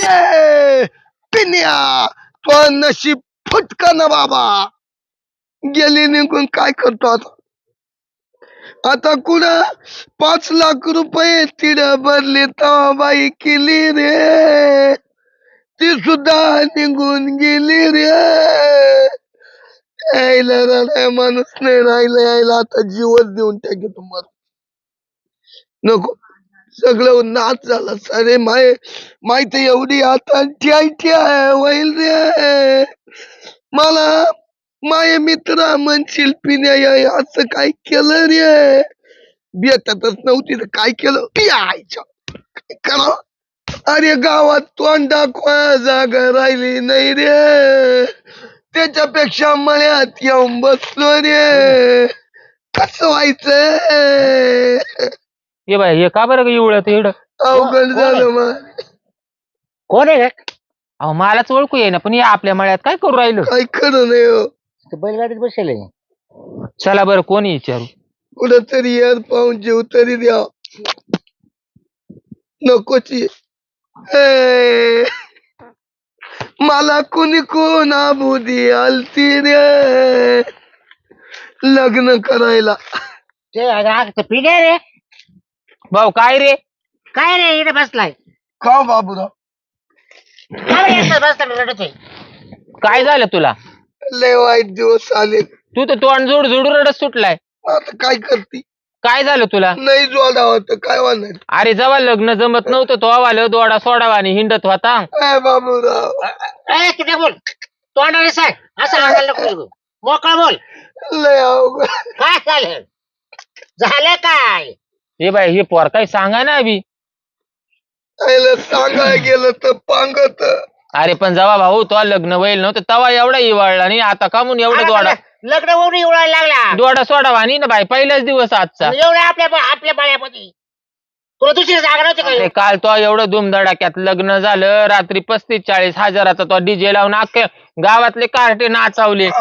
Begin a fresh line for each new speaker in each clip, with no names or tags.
ए पिन्या तो नशीब फुटका ना बाबा. गेली निघून काय करतो आता. आता कुणा 5 लाख रुपये तिड भरले तेव्हा बाई केली रे. ती सुद्धा निघून गेली रे. यायला राहिला माणूस नाही राहिला. यायला आता जीवच देऊन टाके तुम्हाला. नको सगळं नाच झाला सारे माहिती एवढी आता ठ्या होईल रे. मला माय मित्र म्हणशील पिण्या असं काय केलं रे. भेटतच नव्हती तर काय केलं पियाच्या काय करा. अरे गावात तोंड दाखवाय जागा राहिली नाही रे. त्याच्यापेक्षा मळ्यात येऊन बसलो रे. कसं व्हायचं.
ये बाय हे का बरं एवढं एवढं
अवघड झालं मग.
कोण आहे
अहो मलाच ओळखू ये ना पण या आपल्या मळ्यात काय करू राहिलो.
काय खरं नाही हो.
बैलगाडीत बसेल
चला बरं कोणी विचारू.
कुठं तरी यार पाहून जीव तरी द्या. नकोची मला कुणी कोण आबुदी आलती रे लग्न करायला.
ते पिण्या रे.
भाऊ काय रे.
काय रे इथे बसलाय.
का बाबूराव
बसला रडतोय.
काय झालं तुला.
लय वाईट दिवस आले.
तू तर तोंड जोड जोडून रडत सुटलाय.
आता काय करती.
काय झालं तुला.
नाही जोडावं तर काय होणार.
अरे जेव्हा लग्न जमत नव्हतं तो आवाल दोडा सोडावा आणि हिंडत होता.
बाबूराव
किती बोल तोंडाने सांग असं लागायला नको. मोकळा बोल.
लय अवघड.
काय झालं झालं काय.
हे बाय हे पोर काय सांगा ना अभि.
सांगाय गेलं तर पांगत.
अरे पण जेव्हा भाऊ तो लग्न व्हायला नव्हतं तेव्हा एवढा इवाळला नाही. आता का म्हणून एवढा दोडा
लग्न होऊन एवढायला लागला.
दोडा सोडावा नाही ना बाई पहिलाच दिवस आजचा.
एवढ्या आपल्या बाळ्यामध्ये तुला दुसरी जागा नव्हती
अरे
का.
काल तो एवढं धुमधडाक्यात लग्न झालं. रात्री 35-40 हजाराचा तो डीजे लावून अख्खे गावातले कार्टे नाचवले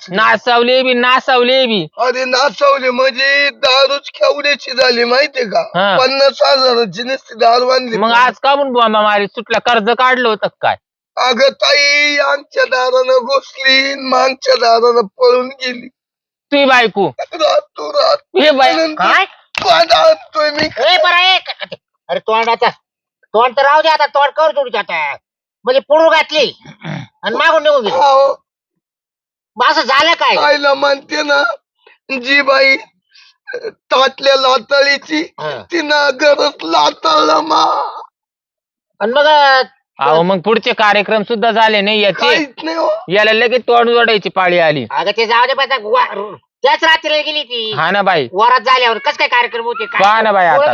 नाचवले बी.
अरे नाचवले म्हणजे दारूच केवढ्याची झाली माहितीये का.
हा.
50,000ची नुसती दारू आणली.
मग आज का म्हणून बॉम्बा मारी सुटला. कर्ज काढलं होतं काय.
अगं ताई आमच्या दारानं घुसली मागच्या दारानं पळून गेली.
तुझी बायको
रात
हे बाय
काय
आणतोय मी.
अरे तोंड तर राहू दे आता. तोंड कर जोडू आता म्हणजे पुढू घातली आणि मागून निघून गेली.
अहो,
असं झालं काय.
आईला म्हणते ना जी बाई ताटल्या लाताळीची तिनं गरज लाताळला मा.
आणि मग
अहो मग पुढचे कार्यक्रम सुद्धा झाले नाही याचे.
काहीच नाही हो.
याला लगेच तोंड जोडायची पाळी आली.
अगं ते जाऊ दे. त्याच रात्रीला गेली ती.
हा ना बाई.
वरात झाल्यावर कस काय कार्यक्रम होते
पहा ना बाई आता.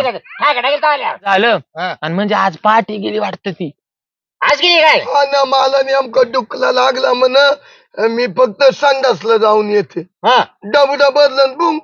आज
झालं आणि म्हणजे आज पहाटे गेली वाटत ती.
गेली काय.
हा ना मला नेमकं डुकला लागला म्हण. मी फक्त संडासला जाऊन येते. डबडा बदलन बुंग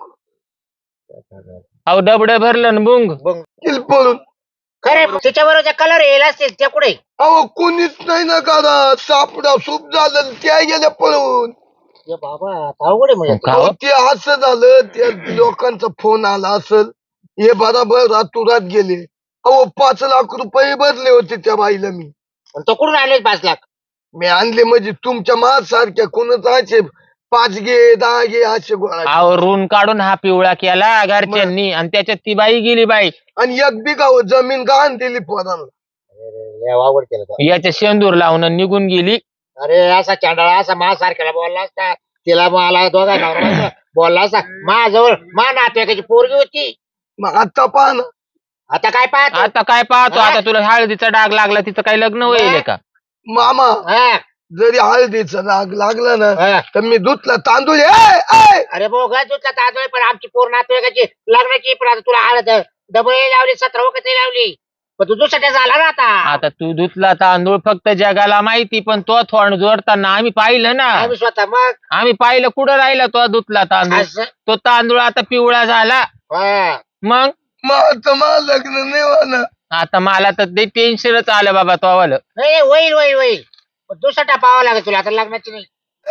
अहो डबड भरलं न बुंग
पळून.
खरे त्याच्या बरोबर कलर येईल असतील त्या कुठे.
अहो कोणीच नाही ना करा. सापडा सूप झालं त्या गेल्या पळून.
बाबा अवघड आहे म्हणजे.
का हो?
ते असं झालं त्या लोकांचा फोन आला असल. हे बराबर रातोरात गेले. अहो 5 लाख रुपये भरले होते त्या बाईला मी.
तो कुठून आणले 5 लाख.
मी आणले म्हणजे तुमच्या माझ्यासारख्या कोणच असे 5 घे 10 घे असे गोळा.
अहो रून काढून हा पिवळा केला घरच्यांनी आणि त्याच्यात ती बाई गेली बाई.
आणि 1 बिघा जमीन गहाण दिली पोरांना.
अवघड केलं.
याच्या शेंदूर लावून निघून गेली.
अरे असा चांडाळा असा माझ्यासारख्याला बोलला असता. तिला मला दोघा नवरा बोलला असता. माझ्याजवळ मा नातेवाईकाची पोरगी होती.
मग आता पहा ना.
आता काय पाहतो.
आता काय पाहतो. आता तुला हळदीचा डाग लागला तिचं काही लग्न होईल का.
मामा जरी हळदीचा डाग लागला ना तर मी धुतला तांदूळ.
अरे बोगा तुझा तांदूळ पण आमची पोर नातेवाईकाची लग्नाची. पण आता तुला हळद डबल लावली 17 वखत लावली. पण तू दुसऱ्या झाला ना आता.
आता तू धुतला तांदूळ फक्त जगाला माहिती. पण तो थोड जोडताना आम्ही पाहिलं ना.
आम्ही स्वतः मग
आम्ही पाहिलं कुठं राहिला तो धुतला तांदूळ. तो तांदूळ आता पिवळा झाला. मग
आता मला लग्न नाही होणार.
आता मला तर ते टेन्शनच आलं बाबा तो आवाला.
नाही होईल होईल होईल. दुसरा पाहावा लागेल तुला आता लग्नाची नाही.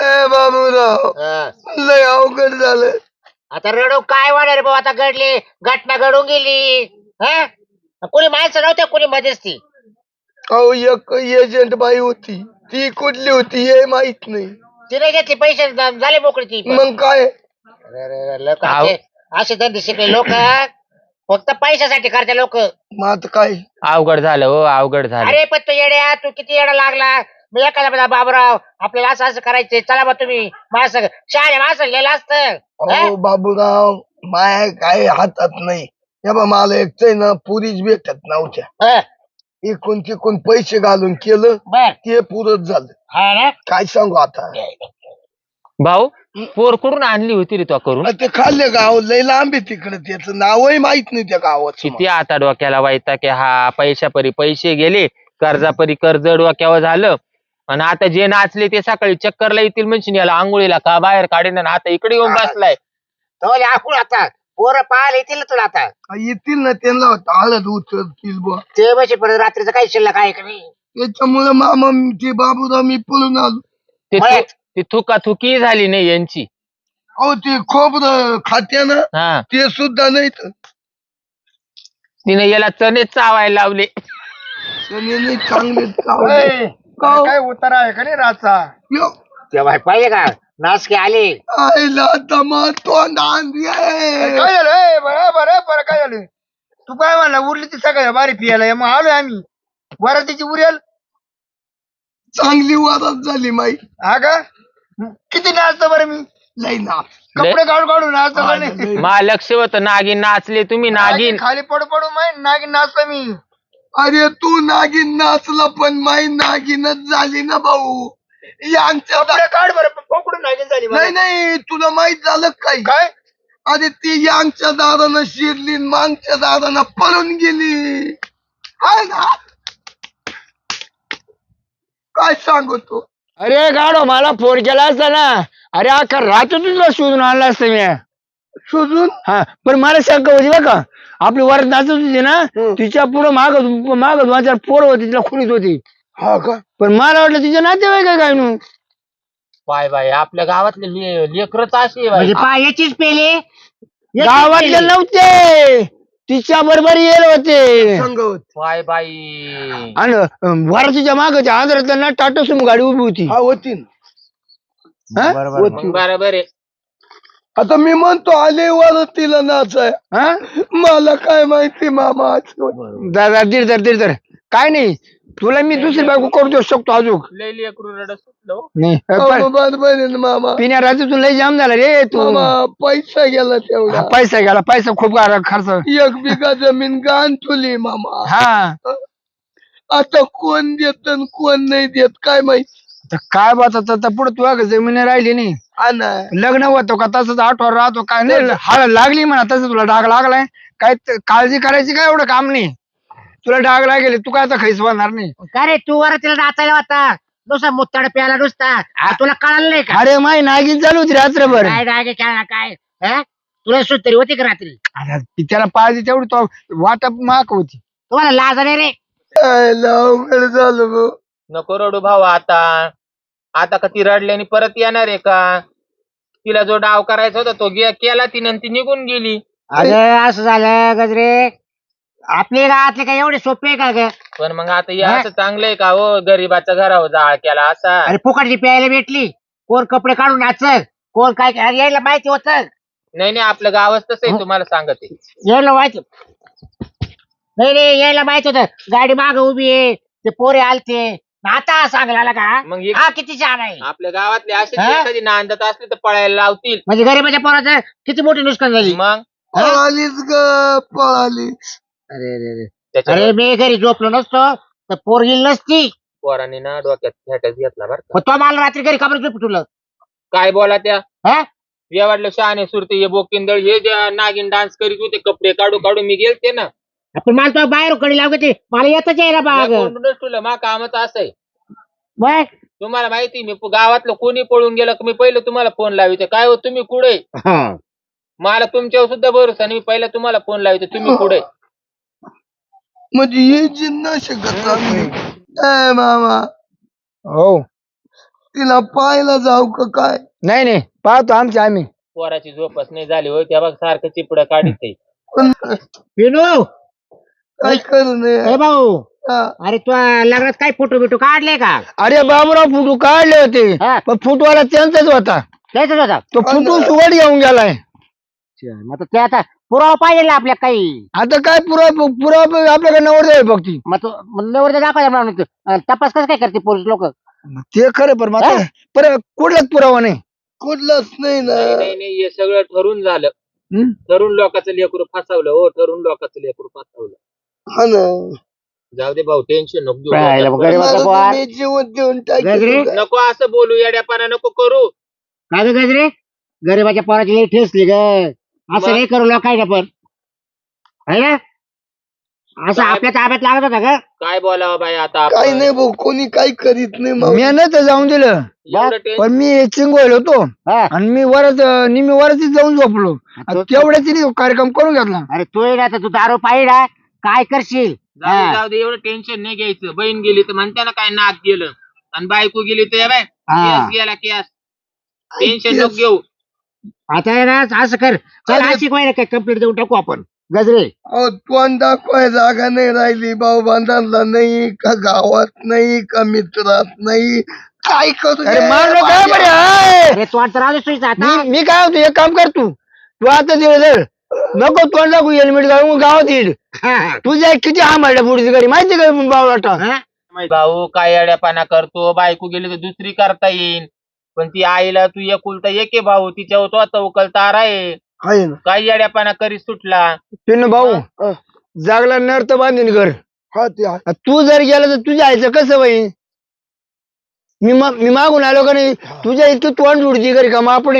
बाबूराव लय अवघड झालं.
आता रडू काय वाढ रे भाऊ. आता घडली घटना घडून गेली. कोणी माणसं नव्हते कोणी मध्यस्थी.
अहो एक एजंट बाई होती, ती कुठली होती हे माहित नाही.
तिने घेतली पैसे झाले मोकळी ती पण.
मग काय
लोक
आव.
असे धंदे शिकले लोक फक्त पैशासाठी करते लोक.
मग आता काय
अवघड झालं हो, अवघड झालं.
अरे पण तू येड्या, तू किती येडा लागला. मी एखादा बाबूराव आपल्याला असं असं करायचंय, चला बा तुम्ही माझं शहाणे माणसं लिहिलं असतं.
अहो बाबूराव, माया काय हातात नाही. हे बा मला एकटंय ना पुरीच भेटत नव्हत्या.
हं,
इकून तिकून पैसे घालून केलं,
बर
ते पुरत झालं.
हा ना.
काय सांगू आता.
भाऊ पोर कुठून आणली होती रे तो करून?
ते खाल्ले गाव लय लांब आहे तिकडे, त्याचं नावही माहित नाही त्या गावाचं.
किती आता डोक्याला वाईता की हा पैशापरी पैसे गेले, कर्जापरी कर्ज डोक्यावर झालं, आणि आता जे नाचले ते सकाळी चक्करला येतील म्हणजे याला आंघोळीला का बाहेर काढेन, आणि आता इकडे येऊन बसलाय.
तो आपण आता पोरं पाहायला येतील ना तुला आता.
येतील ना, त्यांना हळद उचलतील बुवा.
ते बसे परत रात्रीचं काही शिल्लक आहे का नाही.
त्याच्यामुळे मामा ते बाबूराव मी पळून आलो.
ते
मळ्यात.
ती थुकाथुकी झाली नाही यांची.
अहो ते खोबरं खात्या ना,
हा,
ते सुद्धा नाही तर
तिने याला चणे चावायला लावले.
त्याने नाही चांगले चावले.
काय उतारा आहे का नाही रातचा?
यो,
तेव्हा पाहिजे का नासके आले.
आईला दमा तोंड आणली आहे.
काय झालं बरं काय झालं? तू काय म्हणला उरली ती सगळ्या बारी पियाला, मग आलोय आम्ही. वरातीची उरेल
चांगली वादात झाली माई.
हा का? किती नाचतो बरं मी,
लई ना
कपडे काढून नाचतो का नाही?
मा लक्ष होतं नागिन नाचले तुम्ही, नागिन.
खाली पडू माहिती नागिन नाचतो मी.
अरे तू नागिन नाचला, पण माई नागिनच झाली ना भाऊ. यांच्या
कपडे काढ बरं, पकडून नागिन झाली मला.
नाही नाही, तुला माहित झालं काय?
काय
अरे ती यांच्या दारानं शिरली, मागच्या दारानं पळून गेली. हाय ना, काय सांगतो.
अरे गाडो मला फोन केला असता ना, अरे अख्खा रात्र तुला शोधून आणला असतं मी.
शोधून
हा पण मला शंका होती बरं का, आपली वरात नाचत होती ना,
हं.
तिच्या पुढे माग दोन चार पोरं होती, तिला खुलीत होती.
हा का?
पण मला वाटलं तिच्या नातेवाईक काय नू.
बाय बाय, आपल्या गावातले लेकरच अशी
म्हणजे याचीच पेले
गावातले नव्हते, तिच्या बरोबर येल होते.
संगवत.
बाय बाई.
आणि वरातीच्या मागच्या आंध्रातल्या ना टाटा सुमो गाडी उभी होती.
हा होती ना.
हा?
होती.
बरोबर आहे.
आता मी म्हणतो आले वरतीला नाचाय,
हा?
मला काय माहिती मामा.
दादा दीड काय नाही, तुला मी दुसरी बायको करू शकतो अजून.
लय लेकरू रडत सुटलं हो.
नाही
बरोबर आहे ना मामा.
पिण्या रात्रीतून लय जाम झाला रे तू.
मामा पैसा गेला तेवढा.
हा, पैसा गेला, पैसा खूप खर्च.
1 बिघा जमीन गाण तुली मामा.
हा
आता कोण देत आणि कोण नाही देत काय माहिती.
तर काय बात आता पुढे तुला जमीन राहिली नाही.
हा ना.
लग्न होतो का तसंच आठवण राहतो काय नाही, हळद लागली म्हणा तसं तुला डाग लागलाय. काय काळजी करायची काय एवढं काम नाही. तुला डाग लागेल, तू काय आता खैस होणार नाही.
का रे तू वर तिला नाचायला होता नुसता मुत्ताड प्याला नुसता. तुला कळालं नाही का
अरे माय नागिन चालू होती रात्रभर.
काय डागे खेळा काय. हं? तुला सुट तरी होती का रात्री.
आता ती त्याला पाहिजे तेवढी तो वाटप माक होती.
तुम्हाला लाज नाही रे.
अवघड झालं भाऊ.
नको रडू भाऊ आता का ती रडल्याने परत येणार आहे का? तिला जो डाव करायचा होता तो केला तिने आणि ती निघून गेली.
अगं असं झालं गजरे, आपले गावातले काय एवढे सोपे आहे का ग.
पण मग आता या असं चांगलंय का हो, गरीबाच्या घरावर जाळ केला असा.
अरे फुकटची प्यायला भेटली, कोण कपडे काढून नाचल, कोण काय अरे यायला माहिती होत.
नाही आपलं गावच तसं आहे, तुम्हाला सांगते.
यायला माहिती नाही यायला माहित होत. गाडी माग उभी आहे, ते पोरे आलते. आता सांगला का
मग
हा किती छान आहे.
आपल्या गावातले असे
हा?
कधी नांदत असले तर पळायला लावतील.
म्हणजे गरीबाच्या पोराचं किती मोठी नुकसान झाली.
मग
पळालीच ग पळाली.
अरे अरे अरे
त्याच्या
अरे मी घरी झोपलो नसतो तर पोर गेली नसती.
पोरांनी ना डोक्यात खेटच घेतला बरं का.
मग तो मला रात्री घरी खबर तुला
काय बोला त्या
हा
या वाटलं शहाणे सुरते हे बोकिंदळ हे ज्या नागिन डान्स करीत होते कपडे काढू मी गेलते ना.
आपण मला तो बाहेर कडी लागते, मला येतच यायला बाग.
तुला मा कामच असं आहे.
बघ
तुम्हाला माहिती मी गावातलं कोणी पळून गेलं की मी पहिलं तुम्हाला फोन लाविते. काय हो तुम्ही कुठे? मला तुमच्यावर सुद्धा भरोसा नाही. मी पहिला तुम्हाला फोन लाविते, तुम्ही कुठे?
म्हणजे हे जिन्ना शकत नाही मामा.
हो
तिला पाहायला जाऊ का काय?
नाही पाहतो आम्ही.
पोराची झोपच नाही झाली होय, त्या बघ सारखं चिपड काढीत आहे.
पण
विनू
काय करू नये.
ए भाऊ
हा.
अरे तू लग्नात काय फोटो बिटो काढले का?
अरे बाबूराव फोटो काढले होते
हा.
पण फुटवाला त्यांचाच होता
त्याच होता.
तो फुटू सुवड येऊन गेलाय.
मग ते आता पुरावा पाहिजे ना आपल्या काही.
आता काय पुरावा आपल्याकडे नवर आहे फक्त
मग तू नवर दाखवायला म्हणून तपास कसं काय करते पोलीस लोक?
ते खरं पण मात्र पर कुठलाच पुरावा नाही.
कुठलंच नाही ना.
नाही नाही हे सगळं ठरून झालं.
हं?
ठरून लोकांचं लेकरू फसवलं हो, ठरून लोकांचं लेकरू फसवलं.
हा ना.
जाऊ दे भाऊ, टेन्शन नको
राहिलं
घेऊ.
मग गरीबाचं
मला
पोर.
तुम्ही जीवन देऊन
गजरे?
टाकेल.
नको असं बोलू, येड्यापाना नको करू.
काय ग गजरे? गरीबाच्या पोराची लई ठेसली ग. असं नाही करू लोकांना पण है ना. असं
काय-
आपल्या ताब्यात लागत होता का?
काय बोलावं बाई आता
काही
आपण?
नाही भाऊ, कोणी काही करीत नाही
मी
मावशी.
नाही तर जाऊन दिलं
एवढं टेन्शन
पण मी चिंगोयल होतो
हा.
आणि मी निम्मी वरच जाऊन झोपलो तेवढ्याच कार्यक्रम करून घेतला.
अरे तू ये ना तर तू दारू पाहिला काय करशील?
जाऊ दे, एवढं टेन्शन नाही घ्यायचं. बहीण गेली तर म्हणते ना काय नाक गेलं, आणि बायको गेली तर बाय
हा.
केस गेला केस. टेन्शन नको घेऊ.
आता आहे ना असं कर. चल
अरे-
अशी काय काय कंप्लीट देऊन टाकू आपण. गजरे
अहो, तोंड दाखवाय जागा नाही राहिली. भाऊ बांधांना नाही का, गावात नाही का, मित्रात नाही. काय करू
अरे
रे
मारलो काय बरे
माझ्या?
हाय?
अरे तू आता राहू दे आता.
मी काय होतो एक काम कर तू आता दिलं नको तोंड दाखवू हेल्मेट घालून गावात येईल.
हा.
तुझ्या किती हामाडल्या पुढची गाडी माहिती का बावळाटा.
हा?
भाऊ काय येड्यापाना करतो, बायको गेली तर दुसरी करता येईल, पण ती आईला तू एकुलता एक आहे भाऊ, तिच्यावर तो आता उकलतार आहे.
आहे ना.
काय येड्यापाना करी सुटला.
पिन भाऊ
हा.
जागला नर तर बांधीन घर.
हा ते आहे.
तू जर गेला तर तुझ्या आईचं कसं बाई. मी मागून आलो का नाही तुझ्या इथं तोंड उडती घरी का मग आपण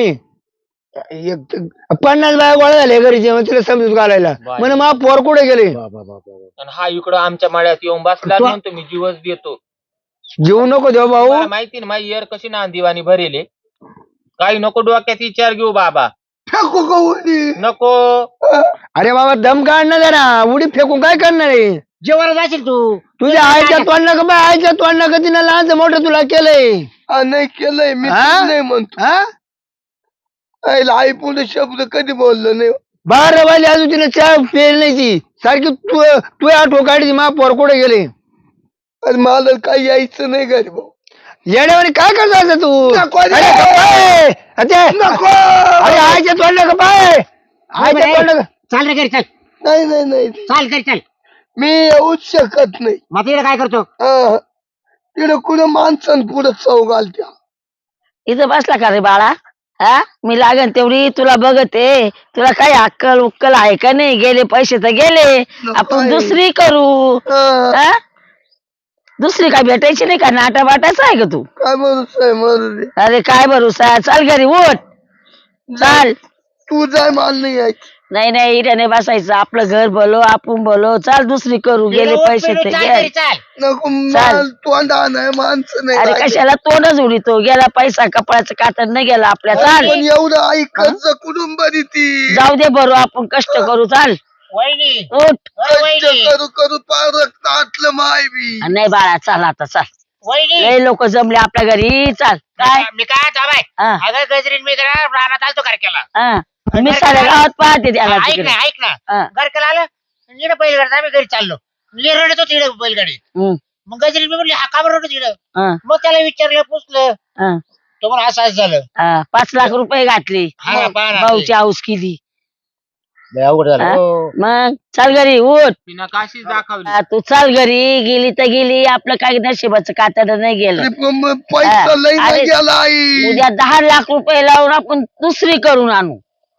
एक
50 बाया गोळा झाले घरी जेव्हा तिला समजूत घालायला
बाय.
म्हणे मा पोर कुठे गेले.
आणि हा इकडं आमच्या मळ्यात येऊन बसला,
तो-
म्हणतो मी जीवच देतो.
जेवू नको देव भाऊ.
मला माहिती ना माझी एर कशी नांदिवानी भरेले. काही नको डोक्यात विचार घेऊ बाबा,
फेकू का उडी?
नको.
अरे बाबा दम काढणार जरा उडी फेकून काय करणार आहे.
जेवायला जाशील तू.
तुझ्या आईच्या तोंडा का बाय आईच्या तोंडा का तिनं लहानचं मोठं तुला केलंय.
हा, नाही केलंय मी.
हा?
तेच नाही म्हणतो.
हा
आईला आई पुढे शब्द कधी बोललो नाही.
12 वाजले अजून तिने चहा पेल नाही ती सारखी तू आठवण काढली मा पोर कुठे गेले.
अरे मला काही यायचं नाही घरी भाऊ.
येण्यावानी काय करतो तू.
नको रे.
अरे गप्पाय.
नको.
अरे आईच्या तोंडा का बाय आईच्या तोंडा का.
चाल रे घरी चल.
नाही नाही नाही,
चाल घरी चल.
मी येऊच शकत नाही.
मग तिकडे काय करतो?
हा. तिकडे कुठं माणसं पुढे चव घालत्या.
इथं बसला का रे बाळा? हा मी लागन तेवढी तुला बघते. तुला काही अक्कल उक्कल आहे का नाही? गेले पैसे तर गेले, आपण दुसरी करू.
हा.
हा दुसरी काय भेटायची नाही का? नाटा बाटाचा आहे का तू?
काय भरोसा आहे मरू.
अरे काय भरोसा. चाल घरी उठ चाल.
तू जाय, मला नाही यायचं.
नाही नाही इथे नाही बसायचं. आपलं घर बोलो आपण बोलो. चाल दुसरी करू. गेले पैसे तर
चाल
गेले.
घरी चाल.
नको.
चाल.
मला तोंडा नाही, माणसं नाही
अरे
राहिली.
कशाला तोंडच उडीतो. गेला पैसा कपड्याचं कातड नाही गेला आपल्या. चाल
पण एवढं आई कर्ज कुठून बरी ती.
जाऊ दे बरो आपण कष्ट करू. चाल
वहिनी
उठ.
अ,
कष्ट
वहिनी
करू करू पार रक्त आटलं माय बी.
नाही बाळा चाल आता चाल.
वहिनी
लय लोक जमले आपल्या घरी. चाल काय
मी काय आता बाय
हा,
अगं गजरीन मी जरा रानात आलतो घरकेला.
हा. मी साऱ्या गावात पाहते त्याला
ऐक
तिकडे.
ना ऐक ना.
हा.
घरकेला आलं इकडे बैलगाडी आम्ही घरी चाललो. मी रडत होतो इकडे बैलगाडी.
हम्म,
मग गजरीन मी म्हणली हा का बरं रडत इकडं?
हा,
मग त्याला विचारलं पुसलं
हा,
तो म्हणून असं असं झालं.
हा. 5 लाख रुपये घातले.
हा ना, पहा ना.
भाऊची हाऊस केली.
लय अवघड झालं.
हा?
हो.
मग चाल घरी उठ.
तिनं काशीच दाखवली.
हा, तू चाल घरी. गेली तर गेली. आपलं काय नशिबाचं कातड नाही गेलं.
अरे पण मग पैसा लई
अरे,
नाही गेला आई.
उद्या 10 लाख रुपये लावून आपण दुसरी करून आणू.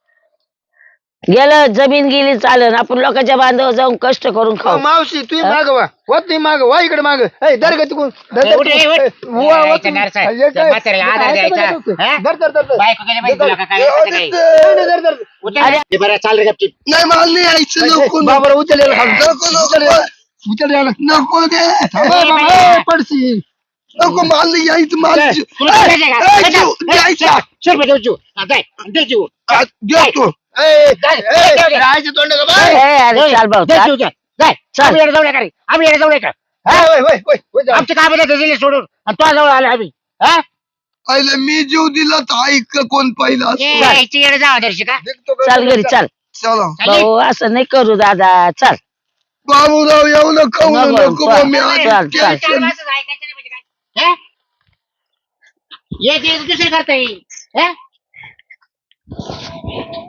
गेलं जमीन गेली चालन. आपण लोकांच्या बांधावर जाऊन कष्ट करून खाऊ.
मावशी तुम्ही माग वा तुम्ही माग वा इकडे माग दर का तिकडून
ए, उठ, ए, उठ. यायचा नरसा. त्या म्हाताऱ्याला आधार द्यायचा. हा? बायको गेली माहिती तुला का काय
जाऊ
असं
दे
काही?
ते.
उठ रे. हे बरं चाल रे गपचीप.
नाही मला नाही यायचं. नको नको.
बाबर उचललेला
नको नको दे.
पडशी
नको मला नाही यायचं. मला
तुला काय द्यायचं का?
ए, जीव, द्यायचा.
100 रुपये देऊ जीव. हा, जाय. दे जीव.
देतो.
राहायचं तोंड का बाय.
अरे चाल भाऊ
दे
चाल.
जीव, जाय. जाय.
चल.
आम्ही येडे जाऊ नका रे. आम्ही येडे जाऊ नका. आमची कामं नाही दिली सोडून आणि तो जवळ आले आम्ही. हा?
आईला मी जीव दिला तर ऐक कोण पहिला.
ए, इथे येडे जाऊ दर्शी का?
चाल घरी चाल.
चला
चालेल?
भाऊ असं नाही करू दादा. चाल.
बाबूराव एवढं नको नको
चल,
मम्मी
चल,
आज
चल.
चार
टेन्शन
माणसं ऐकायचं नाही म्हणजे काय हे? एक दुसरे करता येईल